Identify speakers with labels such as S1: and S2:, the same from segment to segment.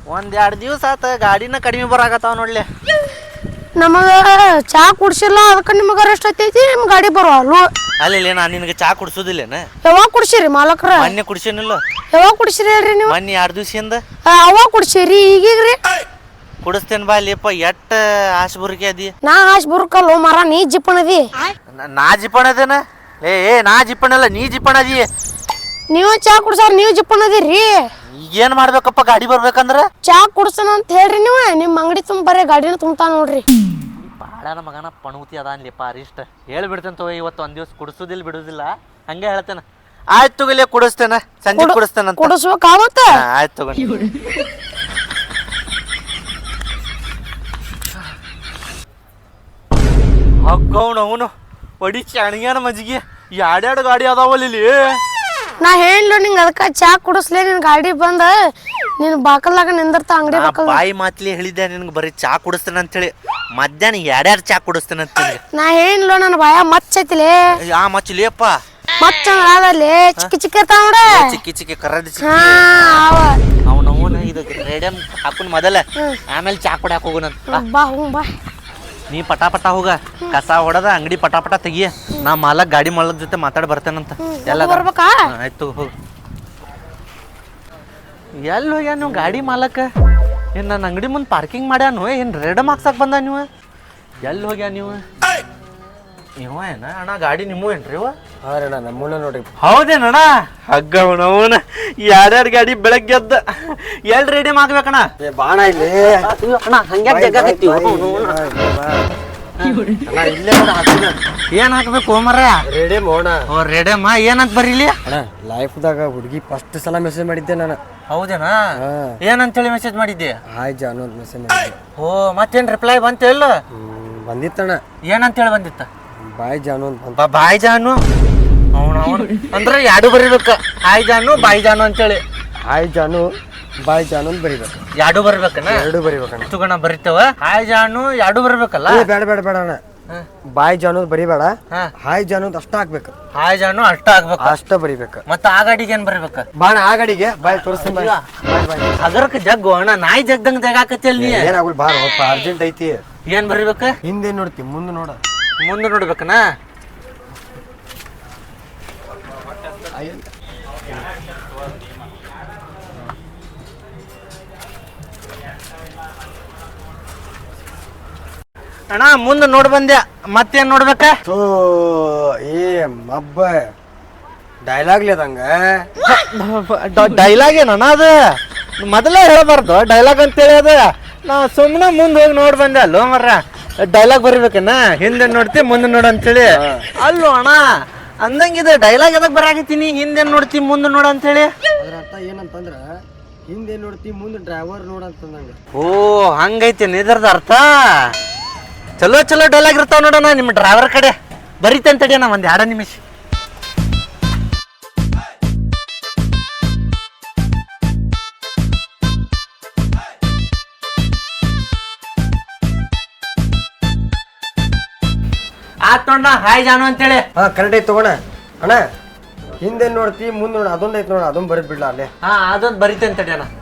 S1: ಒಂದ್ 2 ದಿವಸ ಆತ ಗಾಡಿನ ಕಡಿಮೆ ಬರಾಕತ್ತಾವ ನೋಡ್ಲಿ.
S2: ನಮಗ ಚಾ ಕುಡ್ಸಿಲ್ಲ ಅದಕ್ಕೆ ನಿಮಗ ಅರೆಸ್ಟ್ ಐತೈತಿ. ನಿಮ್ ಗಾಡಿ ಬರೋಲ್ಲು.
S1: ಅಲ್ಲಿ ನಾ ನಿನಗೆ ಚಾ ಕುಡ್ಸೋದಿಲ್ಲೇನ?
S2: ಯಾವಾಗ ಕುಡ್ಸಿರಿ ಮಾಲಕ್ರ?
S1: ಮೊನ್ನೆ ಕುಡ್ಸೇನಿಲ್ಲ.
S2: ಯಾವಾಗ ಕುಡ್ಸಿರಿ ಹೇಳ್ರಿ ನೀವು?
S1: ಮೊನ್ನೆ 2 ದಿವಸದಿಂದ.
S2: ಅವಾಗ ಕುಡ್ಸಿರಿ ಈಗೀಗ್ರಿ?
S1: ಕುಡಿಸ್ತೇನೆ ಬಾ ಲೇಪ. ಎಟ್ಟ ಆಶ್ ಬುರ್ಕೆ ಅದಿ.
S2: ನಾ ಆಶ್ ಬುರ್ಕಲ್ಲು ಮರ, ನೀ ಜಿಪ್ಪಣದಿ.
S1: ನಾ ಜಿಪ್ಪಣ ಅದೇನ? ಏ ನಾ ಜಿಪ್ಪಣಲ್ಲ, ನೀ ಜಿಪ್ಪಣ ಅದಿ.
S2: ನೀವು ಚಾ ಕುಡ್ಸಾರ ನೀವು ಜಿಪ್ಪಣದಿರಿ.
S1: ಏನ್ ಮಾಡ್ಬೇಕಪ್ಪ ಗಾಡಿ ಬರ್ಬೇಕಂದ್ರ?
S2: ಚಾ ಕುಡ್ಸನ ಅಂತ ಹೇಳ್ರಿ ನೀವು. ನಿಮ್ ಅಂಗಡಿ ತುಂಬ ಬರೀ ಗಾಡಿನ ತುಂಬತಾ ನೋಡ್ರಿ.
S1: ಬಾಳನ ಮಗನ ಪಣುತಿ ಅದ ಅನ್ಲಿಪ್ಪ ಅರಿಷ್ಟ. ಹೇಳ್ಬಿಡ್ತೇನೆ ತಗೋ, ಇವತ್ತು ಒಂದ್ ದಿವಸ ಕುಡಿಸೋದಿಲ್ಲ ಬಿಡುದಿಲ್ಲ, ಹಂಗೆ ಹೇಳ್ತೇನೆ. ಆಯ್ತು ತಗೋಲಿ, ಕುಡಿಸ್ತೇನೆ, ಸಂಜೆ ಕುಡಿಸ್ತೇನೆ.
S2: ಕುಡಿಸ್ಬೇಕಾಗತ್ತ?
S1: ಆಯ್ತು ತಗೊಂಡು ಹಗ್ಗವನು ಅವನು ಒಡಿ ಚಾಣಿಗ್ಯಾನ ಮಜ್ಜಿಗೆ. 2 ಗಾಡಿ ಅದಾವಲ್ಲಿ ಇಲ್ಲಿ.
S2: ನಾ ಹೇಳ ನಿಂಗ ಅದಕ್ಕ ಚಾ ಕುಡಿಸ್ಲೇ. ನಿನ್ ಗಾಡಿ ಬಂದ ನೀನ್ ಬಾಕಲ್ದಾಗ ನಿಂದಿರ್ತ ಅಂಗಡಿ ಬಾಕಲ್.
S1: ಬಾಯಿ ಮಾತ್ಲಿ ಹೇಳಿದ್ದೆ ನಿನ್ಗೆ ಬರೀ ಚಾ ಕುಡಿಸ್ತೇನೆ ಅಂತೇಳಿ. ಮಧ್ಯಾಹ್ನ 2 ಚಾ ಕುಡಿಸ್ತೇನೆ ಅಂತೇಳಿ.
S2: ನಾ ಹೇಳ ನನ್ನ ಬಾಯ ಮಚ್ಚೈತಿಲೇ.
S1: ಆ ಮಚ್ಚಲಿಯಪ್ಪ
S2: ಮಚ್ಚ ಆದಲ್ಲಿ ಚಿಕ್ಕ ಚಿಕ್ಕ ಇರ್ತಾವ ನೋಡ.
S1: ಚಿಕ್ಕಿ ಚಿಕ್ಕಿ ಕರ್ರದ್ ಚಿಕ್ಕಿ.
S2: ಅವನ
S1: ಇದು ರೇಡಿಯಂ ಹಾಕೊಂಡ್ ಮೊದಲ, ಆಮೇಲೆ ಚಾ ಕುಡಿಯಾಕ ಹೋಗೋಣಂತ.
S2: ಬಾ ಹ್ಞೂ ಬಾ.
S1: ನೀ ಪಟಾಪಟ ಹೋಗ, ಕಸ ಹೊಡದ ಅಂಗಡಿ ಪಟಾಪಟ ತೆಗಿಯ. ನಾ ಮಾಲಕ್ ಗಾಡಿ ಮಾಲಕ್ ಜೊತೆ ಮಾತಾಡಿ ಬರ್ತೇನಂತ. ಎಲ್ಲ
S2: ಬರ್ಬೇಕಾ?
S1: ಆಯ್ತು ಹೋಗ. ಎಲ್ಲಿ ಹೋಗ್ಯಾ ನೀವು ಗಾಡಿ ಮಾಲಕ? ಏನ್ ನನ್ನ ಅಂಗಡಿ ಮುಂದೆ ಪಾರ್ಕಿಂಗ್ ಮಾಡ್ಯಾನು? ಏನ್ ರೇಡಮ್ ಹಾಕ್ಸಕ್ ಬಂದ ನೀವು? ಎಲ್ಲಿ ಹೋಗ್ಯಾ ನೀವು? ಇವ ಏನ ಅಣ್ಣ ಗಾಡಿ ನಿಮ್ಮ ಏನ್ರಿ ಇವ?
S3: ಹಾಂ ನಮ್ಮನ್ನ ನೋಡ್ರಿ.
S1: ಹೌದೇನಣ್ಣ? ಹಗ್ಗವನವನ 2 ಗಾಡಿ ಬೆಳಗ್ಗೆ ಎದ್ದ ಎಲ್ಲಿ ರೆಡಿ ಮಾಡ್ಬೇಕಣ್ಣ?
S3: ಬಾಣ ಇಲ್ಲಿ
S1: ಅಣ್ಣ ಹಂಗ್ಯಾಕ್ ಜಗ್ಗಾಕತ್ತೀವಿ?
S3: ಇಲ್ಲೇ
S1: ಏನ್ ಹಾಕ್ಬೇಕು ಮರ?
S3: ರೆಡಿ ಮೋಣ.
S1: ಓ ರೆಡಮ್ಮ ಏನಂತ ಬರೀಲಿ?
S3: ಅಣ್ಣ ಲೈಫ್ದಾಗ ಹುಡುಗಿ ಫಸ್ಟ್ ಸಲ ಮೆಸೇಜ್ ಮಾಡಿದ್ದೆ ನಾನು.
S1: ಹೌದೇನಾ? ಏನಂತೇಳಿ ಮೆಸೇಜ್ ಮಾಡಿದ್ದೆ?
S3: ಹಾಯ್ ಜಾನು ಅಂತ ಮೆಸೇಜ್ ಮಾಡಿದ್ದೆ.
S1: ಓ ಮತ್ತೇನ್ ರಿಪ್ಲೈ ಬಂತ ಇಲ್ಲ?
S3: ಬಂದಿತ್ತಣ್ಣ.
S1: ಏನಂತೇಳಿ ಬಂದಿತ್ತ?
S3: ಬಾಯ್ ಜಾನು ಅಂತ ಬಂತ.
S1: ಬಾಯ್ ಜಾನು ಅವನು ಅಂದ್ರೆ 2 ಬರಿಬೇಕ. ಹಾಯ್ ಜಾನು ಬಾಯ್ ಜಾನು ಅಂತೇಳಿ.
S3: ಹಾಯ್ ಜಾನು ಬಾಯ್ ಜಾನು ಅಂತ ಬರಿಬೇಕು.
S1: 2 ಬರ್ಬೇಕಣ್ಣ?
S3: 2 ಬರಿಬೇಕಣ್ಣ.
S1: ತಗೋಣ ಬರಿತೇವ. ಹಾಯ್ ಜಾನು 2 ಬರ್ಬೇಕಲ್ಲ?
S3: ಬೇಡ ಬೇಡ ಬೇಡ ಅಣ್ಣ. ಬಾಯ್ ಜಾನು ಬರಿಬೇಡ. ಹಾಯ್ ಜಾನು ಅಂತ ಅಷ್ಟ ಹಾಕ್ಬೇಕು.
S1: ಹಾಯ್ ಜಾನು ಅಷ್ಟ ಆಗ್ಬೇಕು.
S3: ಅಷ್ಟ ಬರಿಬೇಕು.
S1: ಮತ್ತ ಆ ಗಾಡಿಗೆ ಏನ್ ಬರ್ಬೇಕ?
S3: ಬಾಣ ಆ ಗಾಡಿಗೆ ಬಾಯ್ ತೋರಿಸ್ತೀನಿ. ಬಾಯ್ ಬಾಯ್.
S1: ಅದರಕ್ಕೆ ಜಗ್ಗು ಅಣ್ಣ, ನಾಯಿ ಜಗ್ದಂಗ ಜಗಾಕತ್ತಿಲ್ ನೀ.
S3: ಏನಾಗಲ್ಲ ಬಾರ ಅರ್ಜೆಂಟ್ ಐತಿ.
S1: ಏನ್ ಬರಿಬೇಕ?
S3: ಹಿಂದೆ ನೋಡ್ತಿ ಮುಂದೆ ನೋಡ.
S1: ಮುಂದೆ ನೋಡ್ಬೇಕನ? ಅಣ್ಣ ಮುಂದೆ ನೋಡ್ ಬಂದ್ಯಾ, ಮತ್ತೇನ್ ನೋಡ್ಬೇಕ?
S3: ಏ ಮಬ್ಬ ಡೈಲಾಗ್ ಅದಂಗ.
S1: ಡೈಲಾಗ್ ಏನಣ್ಣ ಅದು? ಮೊದಲೇ ಹೇಳಬಾರ್ದು ಡೈಲಾಗ್ ಅಂತೇಳಿ. ಅದ ನಾ ಸುಮ್ಮನೆ ಮುಂದೆ ಹೋಗಿ ನೋಡ್ ಬಂದೆ ಅಲ್ಲೋ ಮರ್ರ. ಡೈಲಾಗ್ ಬರಿಬೇಕನ್ನ? ಹಿಂದೆ ನೋಡ್ತಿ ಮುಂದೆ ನೋಡ ಅಂತೇಳಿ ಅಲ್ಲೋ ಅಣ್ಣ. ಅಂದಂಗಿದೆ ಡೈಲಾಗ್ ಎದಕ್ ಬರಾಕತ್ತೀನಿ? ಹಿಂದೆ ನೋಡ್ತಿ ಮುಂದೆ ನೋಡ ಅಂತೇಳಿ.
S3: ಅದ್ರ ಅರ್ಥ ಏನಂತಂದ್ರ ಹಿಂದೆ ನೋಡ್ತಿ ಮುಂದೆ ಡ್ರೈವರ್ ನೋಡ ಅಂತಂದಂಗ.
S1: ಓ ಹಂಗೈತಿ ಇದ್ರದ ಅರ್ಥ. ಚಲೋ ಚಲೋ ಡೈಲಾಗ್ ಇರ್ತಾವ ನೋಡೋಣ ನಿಮ್ಮ ಡ್ರೈವರ್ ಕಡೆ. ಬರೀತಂತಡಿ ನಾ ಒಂದ್ 2 ನಿಮಿಷ. ಆತ್ ನೋಡ ಹಾಯ್ ಜಾನು ಅಂತೇಳಿ.
S3: ಹಾ ಕರೆಕ್ಟ್ ಐತಿ ತಗೋಣ. ಅಣ್ಣ ಹಿಂದೆ ನೋಡ್ತಿ ಮುಂದೆ ನೋಡ ಅದೊಂದ್ ಐತಿ ನೋಡ, ಅದೊಂದ್ ಬರೀದ್ ಬಿಡ್ಲಾ ಅಲ್ಲೇ.
S1: ಹಾ ಅದೊಂದು ಬರೀತಂತಡಿ ಅಣ್ಣ.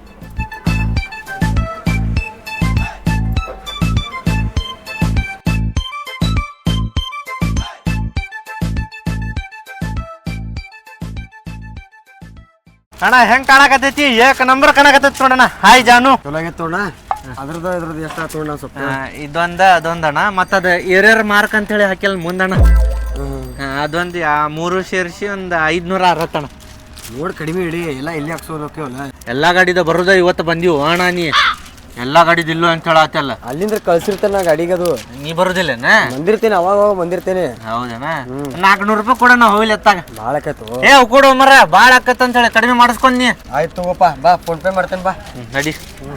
S1: ಅಣ್ಣ ಹೆಂಗ್ ಕಾಣಕತ್ತೈತಿ? ಏಕ ನಂಬರ್ ಕಾಣಕತ್ತೈತಿ ನೋಡಣ್ಣ. ಹಾಯ್ ಜಾನು.
S3: ಚಲೋ ಆಗೈತಿ ತೋಣ. ಅದ್ರದ್ದು ಎಷ್ಟು ತೋಣ ಸ್ವಲ್ಪ.
S1: ಇದೊಂದ ಅದೊಂದಣ್ಣ. ಮತ್ತದ ಏರಿಯರ್ ಮಾರ್ಕ್ ಅಂತೇಳಿ ಹಾಕಿಲ್ಲ ಮುಂದಣ್ಣ. ಅದೊಂದು 3 ಸೇರಿಸಿ ಒಂದು 560 ಅಣ್ಣ.
S3: ನೋಡಿ ಕಡಿಮೆ ಇಡಿ. ಎಲ್ಲ ಇಲ್ಲಿ ಹಾಕ್ಸೋದಲ್ಲ.
S1: ಎಲ್ಲಾ ಗಾಡಿದ ಬರೋದ ಇವತ್ತು ಬಂದಿವು ಅಣ್ಣ. ನೀ ಎಲ್ಲಾ ಗಾಡಿದ ಇಲ್ಲೋ ಅಂತ ಹೇಳತ್ತಲ್ಲ.
S3: ಅಲ್ಲಿಂದ ಕಳ್ಸಿರ್ತೇನೆ ನಾ ಗಾಡಿಗೆ. ಅದು
S1: ನೀ ಬರುದಿಲ್ಲೇನ?
S3: ಬಂದಿರ್ತೇನೆ ಅವಾಗ ಬಂದಿರ್ತೇನೆ.
S1: ಹೌದೇನಾ? 400 ರೂಪಾಯಿ ಕೊಡ ನಾ ಹೋಗ್ಲಿ ಎತ್ತಾಗ.
S3: ಭಾಳ ಆಕೈತು.
S1: ಏ ಕೊಡು ಮರ, ಭಾಳ ಆಕತ್ತ ಅಂತ ಹೇಳಿ ಕಡಿಮೆ ಮಾಡಿಸ್ಕೊಂಡ್ ನೀ.
S3: ಆಯ್ತು ತಗೋಪ್ಪ ಬಾ, ಫೋನ್ ಪೇ ಮಾಡ್ತೇನೆ ಬಾ.
S1: ನಡಿ.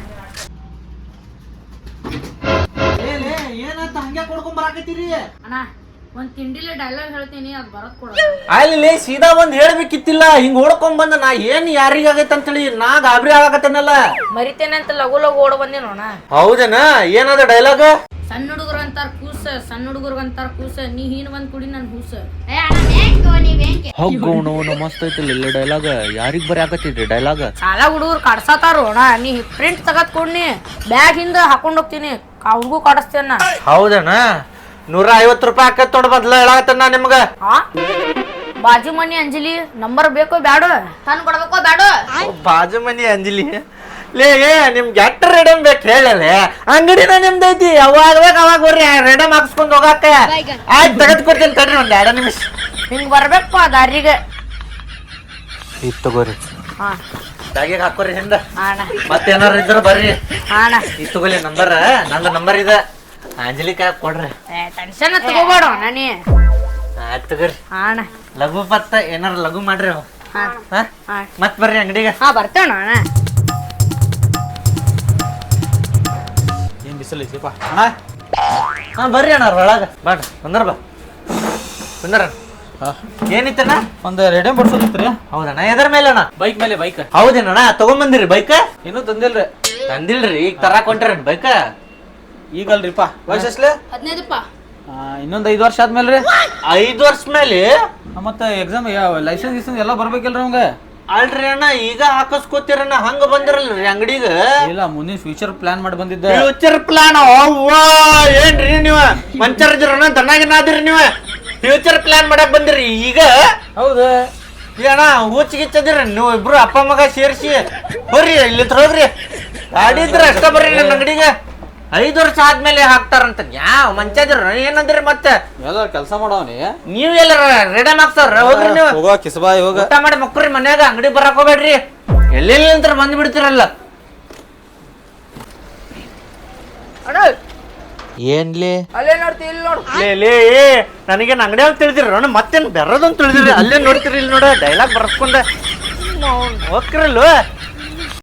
S1: ಏನಾಯ್ತು ಹಂಗೆ ಕೊಡ್ಕೊಂಡ್ ಬರಾಕತ್ತೀರಿ?
S2: ಅಣ್ಣ ಒಂದ್ ತಿಂಡಿಲೆ ಡೈಲಾಗ್ ಹೇಳ್ತೀನಿ, ಅದ್ ಬರತ್ ಕೊಡ.
S1: ಅಲ್ಲಿ ಸೀದಾ ಒಂದ್ ಹೇಳ್ಬೇಕಿತ್ತಿಲ್ಲ. ಹಿಂಗ್ ಓಡ್ಕೊಂಡ್ ಬಂದ ನಾ ಏನ್ ಯಾರಿಗಾಗೈತೆ ಅಂತೇಳಿ ನಾ ಗಾಬರಿ ಆಗತ್ತೇನಲ್ಲ.
S2: ಮರಿತೇನೆ ಅಂತ ಲಗು ಲಗು ಓಡ ಬಂದೆ ನೋಣ.
S1: ಹೌದೇನಾ? ಏನದ ಡೈಲಾಗ್?
S4: ಸಣ್ಣ ಹುಡುಗರು ಅಂತಾರ ಕೂಸ ಸಣ್ಣ ಹುಡುಗರು ಅಂತಾರ ಕೂಸ ನೀ ಹೀನ್ ಬಂದ್ ಕುಡಿ ನನ್ ಕೂಸ
S1: ಹೋಗೋಣ ಮಸ್ತ್ ಐತಿಲ್ಲ ಇಲ್ಲ ಡೈಲಾಗ್ ಯಾರಿಗ್ ಬರೀ ಆಗತ್ತಿದ್ರಿ ಡೈಲಾಗ್
S4: ಸಾಲ ಹುಡುಗರು ಕಡ್ಸತಾರು ಅಣ್ಣ ನೀ ಪ್ರಿಂಟ್ ತಗದ್ ಕೊಡ್ನಿ ಬ್ಯಾಗ್ ಹಿಂದ ಹಾಕೊಂಡ್ ಹೋಗ್ತೀನಿ ಅವ್ರಿಗೂ ಕಡಿಸ್ತೇನ
S1: ಹೌದಣ್ಣ 150 ರೂಪಾಯಿ ಹಾಕತ್ ತೊಡ ಬದ್ಲ ಹೇಳಾಕತ್ತಣ್ಣ ನಿಮ್ಗ
S4: ಹಾ ಬಾಜು ಮನಿ ಅಂಜಲಿ ನಂಬರ್ ಬೇಕೋ ಬ್ಯಾಡೋ ತಂದ್ ಕೊಡ್ಬೇಕೋ ಬ್ಯಾಡೋ
S1: ಬಾಜು ಮನಿ ಅಂಜಲಿ ಲೇ ನಿಮ್ಗೆ ಎಟ್ಟ ರೆಡಮ್ ಬೇಕು ಹೇಳಲೆ ಅಂಗಡಿನ ನಿಮ್ದೈತಿ ಯಾವಾಗ ಬೇಕು ಅವಾಗ ಬರ್ರಿ ರೆಡಮ್ ಹಾಕ್ಸ್ಕೊಂಡ್ ಹೋಗಾಕ ಆಯ್ತು ತೆಗೆದು ಕೊಡ್ತೀನಿ ತಡ್ರಿ ಒಂದ್ 2 ನಿಮಿಷ
S4: ಹಿಂಗ್ ಬರ್ಬೇಕಪ್ಪ ದಾರಿಗೆ
S1: ಇದು ತಗೋರಿ
S4: ಹಾ
S1: ಬ್ಯಾಗಿಗೆ ಹಾಕೋರಿ ಹಿಂದ
S4: ಅಣ್ಣ
S1: ಮತ್ತೇನಾರ ಇದ್ರ ಬರ್ರಿ
S4: ಅಣ್ಣ
S1: ಇದು ತಗೋಲಿ ನಂಬರ್ ನಂದು ನಂಬರ್ ಇದೆ ಅಂಜಲಿ ಕೈ ಕೊಡ್ರಿ
S4: ಟೆನ್ಷನ್ ತಗೋಬೇಡ ನಾನಿ
S1: ಆಯ್ತು ತಗೋರಿ
S4: ಅಣ್ಣ
S1: ಲಘು ಪತ್ತ ಏನಾರ ಲಘು ಮಾಡ್ರಿ
S4: ಹಾ
S1: ಮತ್ ಬರ್ರಿ ಅಂಗಡಿಗೆ
S4: ಹಾ ಬರ್ತೇವಣ್ಣ ಅಣ್ಣ
S5: ಏನ್ ಬಿಸಿಲು ಐತಿಪ್ಪ
S1: ಹಾ ಬರ್ರಿ ಅಣ್ಣ ಒಳಗ ಬಾಡ್ರಿ ಬಂದ್ರ ಬಾ ಬಂದ್ರ ಏನಿತ್ತಣ್ಣ
S5: ಒಂದು ರೆಡಿ ಬಡ್ಸೋದಿತ್ರಿ
S1: ಹೌದಣ್ಣ ಎದ್ರ ಮೇಲೆ ಅಣ್ಣ
S5: ಬೈಕ್ ಮೇಲೆ ಬೈಕ್
S1: ಹೌದೇನಣ್ಣ ತಗೊಂಬಂದಿರಿ ಬೈಕ್
S5: ಇನ್ನೂ ತಂದಿಲ್ರಿ
S1: ತಂದಿಲ್ರಿ ಈಗ ತರಾಕ್ ಹೊಂಟ್ರಿ ಬೈಕ್
S5: ಈಗಲ್ರಿಪ್ಪ ವಯಸ್ಸಸ್ಲೆ
S4: 15ಪ್ಪ
S5: ಇನ್ನೊಂದು 5 ವರ್ಷ ಆದ್ಮೇಲೆ ರೀ
S1: 5 ವರ್ಷ ಮೇಲೆ
S5: ಮತ್ತೆ ಎಕ್ಸಾಮ್ ಲೈಸೆನ್ಸ್ ಗಿಸೆನ್ಸ್ ಎಲ್ಲ ಬರ್ಬೇಕಿಲ್ರಿ ಅವಂಗ
S1: ಅಲ್ರಿ ಅಣ್ಣ ಈಗ ಹಾಕಸ್ಕೋತಿರಣ್ಣ ಹಂಗ ಬಂದಿರಲ್ರಿ ಅಂಗಡಿಗ
S5: ಇಲ್ಲ ಮುಂದಿನ ಫ್ಯೂಚರ್ ಪ್ಲಾನ್ ಮಾಡಿ ಬಂದಿದ್ದೆ
S1: ಫ್ಯೂಚರ್ ಪ್ಲಾನ್ ಅವ್ವಾ ಏನ್ರಿ ನೀವ ಮಂಚರ್ಜರಣ್ಣ ದನ್ನಾಗಿನಾದ್ರಿ ನೀವ ಫ್ಯೂಚರ್ ಪ್ಲಾನ್ ಮಾಡಕ್ ಬಂದಿರಿ ಈಗ
S5: ಹೌದು
S1: ಅಣ್ಣ ಹುಚ್ಚಿಗಿಚ್ಚದಿರ ನೀವು ಇಬ್ರು ಅಪ್ಪ ಮಗ ಸೇರಿಸಿ ಬರ್ರಿ ಇಲ್ಲಿ ಹೋಗ್ರಿ ಗಾಡಿ ಇದ್ರ ಅಷ್ಟ ಬರ್ರಿ ನನ್ನ ಅಂಗಡಿಗೆ 5 ವರ್ಷ ಆದ್ಮೇಲೆ ಹಾಕ್ತಾರಂತ ಯಾವ ಮಂಚದಿರ ಏನಂದ್ರಿ ಮತ್ತೆ
S5: ಎಲ್ಲ ಕೆಲಸ ಮಾಡವನಿ
S1: ನೀವ್ ಎಲ್ಲಾರ ರೆಡಮ್ ಹಾಕ್ತಾರ ಹೋಗ್ರಿ ನೀವು
S5: ಹೋಗೋ ಕಿಸಬಾ ಹೋಗ
S1: ಊಟ ಮಾಡಿ ಮಕ್ರಿ ಮನ್ಯಾಗ ಅಂಗಡಿ ಬರಕ್ ಹೋಗ್ಬೇಡ್ರಿ ಎಲ್ಲೆಲ್ಲಿ ಅಂತ ಬಂದ್ ಬಿಡ್ತಿರಲ್ಲ ಏನ್ಲಿ
S4: ಅಲ್ಲೇ ನೋಡ್ತಿ ಇಲ್ಲಿ ನೋಡು
S1: ಲೇ ನನಗೇನು ಅಂಗಡಿ ಅಂತ ತಿಳಿದಿರ ಮತ್ತೇನು ಬೆರದಂತ ತಿಳಿದಿರಿ ಅಲ್ಲೇ ನೋಡ್ತಿರಿ ಇಲ್ಲಿ ನೋಡ ಡೈಲಾಗ್ ಬರ್ಸ್ಕೊಂಡೆ ಹೋಗ್ತಿರಲ್ವ